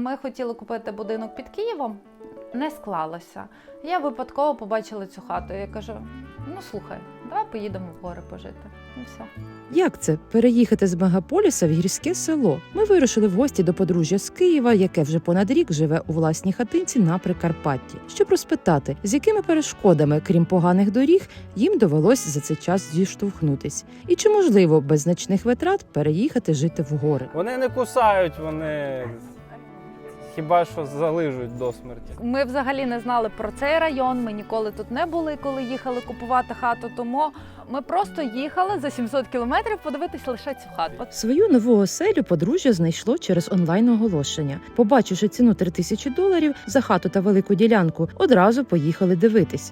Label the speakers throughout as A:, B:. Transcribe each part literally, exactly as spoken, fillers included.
A: Ми хотіли купити будинок під Києвом, не склалося. Я випадково побачила цю хату. Я кажу, ну слухай, давай поїдемо в гори пожити. І все.
B: Як це – переїхати з мегаполіса в гірське село? Ми вирушили в гості до подружжя з Києва, яке вже понад рік живе у власній хатинці на Прикарпатті, щоб розпитати, з якими перешкодами, крім поганих доріг, їм довелось за цей час зіштовхнутись. І чи можливо без значних витрат переїхати жити в гори?
C: Вони не кусають, вони хіба що залижуть до смерті.
A: Ми взагалі не знали про цей район, ми ніколи тут не були, коли їхали купувати хату, тому ми просто їхали за сімсот кілометрів подивитись лише цю хату.
B: Свою нову оселю подружжя знайшло через онлайн-оголошення. Побачивши ціну три тисячі доларів за хату та велику ділянку, одразу поїхали дивитись.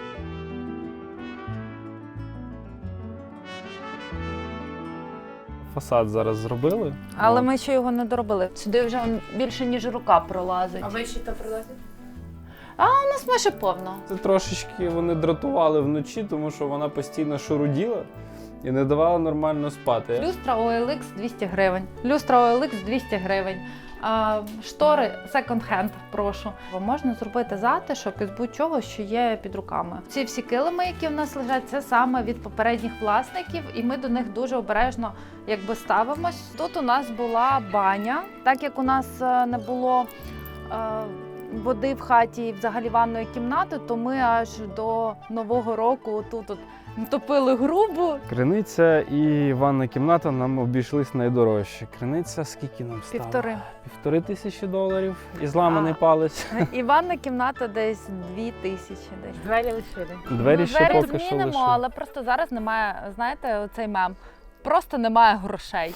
C: Фасад зараз зробили.
A: Але
C: От.
A: ми ще його не доробили. Сюди вже більше, ніж рука пролазить.
D: А ви ще то прилазите?
A: А у нас майже повно.
C: Це трошечки вони дратували вночі, тому що вона постійно шуруділа і не давала нормально спати.
A: Люстра о ел ікс двісті гривень. Люстра о ел ікс двісті гривень. А, штори секонд-хенд, прошу. Можна зробити затишок із будь-чого, що є під руками. Ці всі килими, які в нас лежать, це саме від попередніх власників, і ми до них дуже обережно якби ставимось. Тут у нас була баня, так як у нас е, не було е, води в хаті і взагалі ванної кімнати, то ми аж до Нового року тут от топили грубу.
C: Криниця і ванна кімната нам обійшлись найдорожче. Криниця скільки нам стало?
A: Півтори.
C: Півтори тисячі доларів і зламаний
A: А.
C: палець.
A: І ванна кімната десь дві тисячі. Десь.
D: Двері лишили.
C: Двері
A: Ну,
C: ще
A: двері
C: поки що
A: змінимо,
C: лише.
A: але просто зараз немає, знаєте, оцей мем. Просто немає грошей.